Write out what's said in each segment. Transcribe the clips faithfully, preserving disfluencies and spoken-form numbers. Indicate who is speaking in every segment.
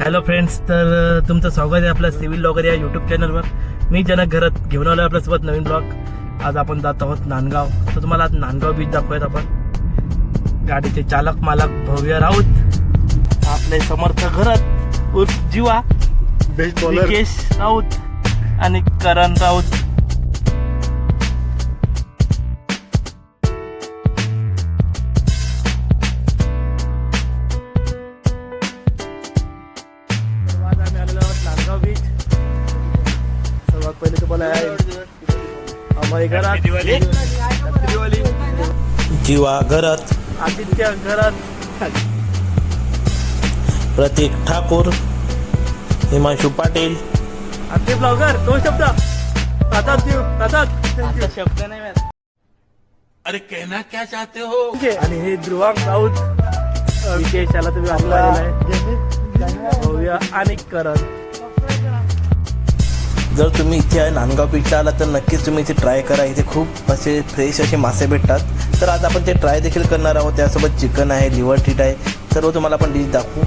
Speaker 1: Hello friends, तर तुमचं स्वागत आहे आपल्या सिव्हिल ब्लॉगर या यूट्यूब चॅनलवर. मी जनक घरात घेऊन आलो आपल्यासोबत नवीन ब्लॉग. आज आपण जात आहोत नांदगाव. तर तुम्हाला आज नांदगाव बीच दाखवूयात आपण. गाडीचे चालक मालक भव्य राऊत, आपले समर्थ घरात उर्फ जीवा, विकेश राऊत आणि करण राऊत. सर्वात पहिले तुम्हाला आम्हाला घरात
Speaker 2: जीवा घरात,
Speaker 1: आदित्य घरात,
Speaker 2: प्रतीक ठाकूर, हिमांशु पाटील.
Speaker 1: आदित्य ब्लॉगर. दोन शब्द आता आता शब्द नाही माहित.
Speaker 2: अरे कहना क्या चाहते हो?
Speaker 1: आणि हे ध्रुवांक राऊत, विकेश याला तुम्ही आपला भव्य आणि करण.
Speaker 2: जर तुम्ही इथे आहे नांदगाव बीचला आला तर नक्कीच तुम्ही इथे ट्राय करा. इथे खूप असे फ्रेश असे मासे भेटतात. तर आज आपण ते ट्राय देखील करणार आहोत. त्यासोबत चिकन आहे, लिव्हर टीट आहे, सर्व तुम्हाला आपण डिश दाखवू.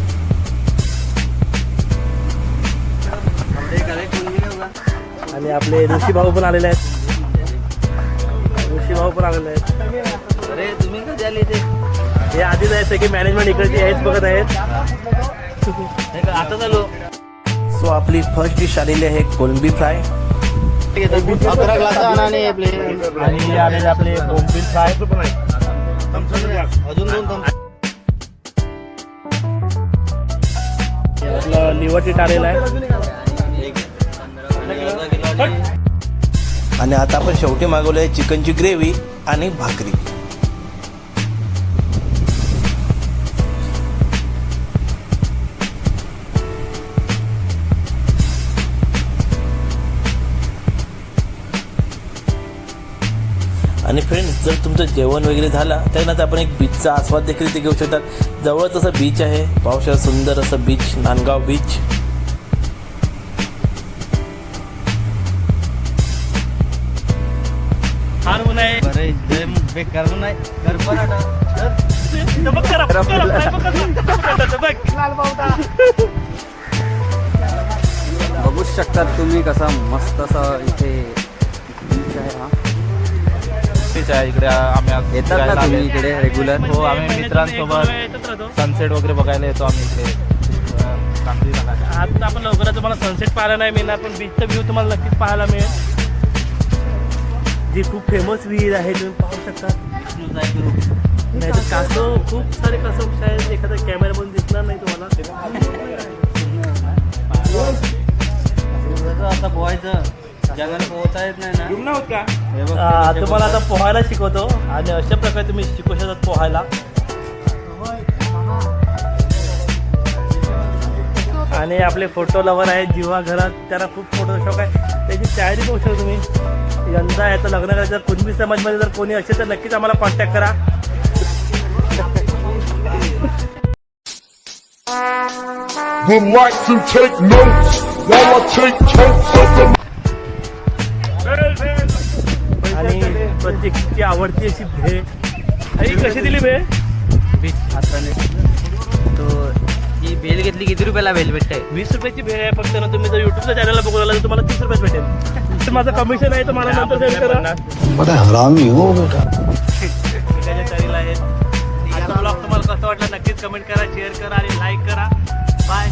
Speaker 1: आणि आपले ऋषी भाऊ पण आलेले आहेत. ऋषी भाऊ पण आलेले आहेत.
Speaker 3: अरे तुम्ही कधी आले ते?
Speaker 1: हे आधीच आहेत सगळे मॅनेजमेंट इकडची हेच बघत आहेत.
Speaker 3: आता चालू.
Speaker 2: सो आपली फर्स्ट डिश आलेली आहे कोलंबी फ्राय.
Speaker 3: अकरा ग्लास आणि आपले
Speaker 1: आणि आलेले आपले बोंबील फ्राय पण आहे.
Speaker 3: अजून दोन थम्स.
Speaker 1: आपलं लिव्हर टीट आलेलं आहे.
Speaker 2: आणि आता आपण शेवटी मागवलं आहे चिकनची ग्रेव्ही आणि भाकरी. आणि फ्रेंड्स, जर तुमचं जेवण वगैरे झालं त्यानंतर आपण एक बीचचा आस्वाद देखील इथे घेऊ शकतात. जवळच असं बीच आहे, पावसाळ्यात सुंदर असं बीच, नांदगाव बीच.
Speaker 1: फार ऊन आहे.
Speaker 3: बरे बेकार नाही कर पराठा. बघू शकतात तुम्ही कसा मस्त असा इथे बीच आहे. हा
Speaker 4: आहे इकडे. आम्ही
Speaker 3: येतात ना तुम्ही इकडे रेग्युलर?
Speaker 4: हो, आम्ही मित्रांसोबत सनसेट वगैरे बघायला येतो आम्ही इकडे सांगलीला.
Speaker 1: आता आपण लवकरच तुम्हाला सनसेट पाहायला नाही मिळणार, पण बीचचा व्ह्यू तुम्हाला नक्कीच पाहायला मिळेल. जी खूप फेमस विहीर आहे, तुम्ही पाहू शकता. नाही तर कासव, खूप सारे कासव शायद एखादा कॅमेरामधून दिसणार नाही तुम्हाला.
Speaker 3: आता पोहायचं जगाला पोहता येत नाही ना. हे बघ,
Speaker 1: आ, तुम्हाला आता पोहायला शिकवतो आणि अशा प्रकारे तुम्ही शिकू शकतात पोहायला. आणि आपले फोटो लवर आहेत जीवा घरात, त्यांना खूप फोटो शौक आहे. त्याची तयारी बघू शकता तुम्ही. यंदा याचं लग्न करायचं, जर कुणबी समाजमध्ये जर कोणी असेल तर नक्कीच आम्हाला कॉन्टॅक्ट करा.
Speaker 5: Would like to take notes while I take totes of the.
Speaker 1: आणि प्रत्येकची आवडती अशी भेळ. आई कशी दिली भेळ?
Speaker 3: बीच हाताने तो ही बेल घेतली किती रुपयाला बेल भेटते?
Speaker 1: वीस रुपयाची भेळ आहे फक्त ना. तुम्ही जर युट्यूबच्या चॅनलला बघू लागला तर तुम्हाला तीस रुपयात भेटेल. माझं कमिशन आहे, तर मला नंतर सेंड करा.
Speaker 5: बड़ा हरामी हो बेटा.
Speaker 1: त्याच्या तयारीला आहेत. आजचा ब्लॉग तुम्हाला कसं वाटलं नक्कीच कमेंट करा, शेअर करा आणि लाईक करा. बाय.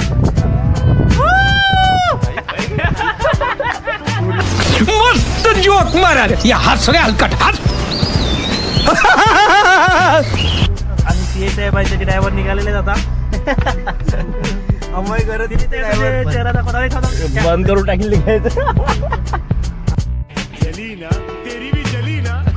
Speaker 6: मस्त जोक मारा या हसरे हलकट हात.
Speaker 1: आणि सी एस साहेब त्याचे ड्रायव्हर निघालेले आता.
Speaker 3: अमय करत
Speaker 1: चेहरा दाखवता
Speaker 4: बंद करून टाकली.
Speaker 5: जली ना तेरी भी जली ना.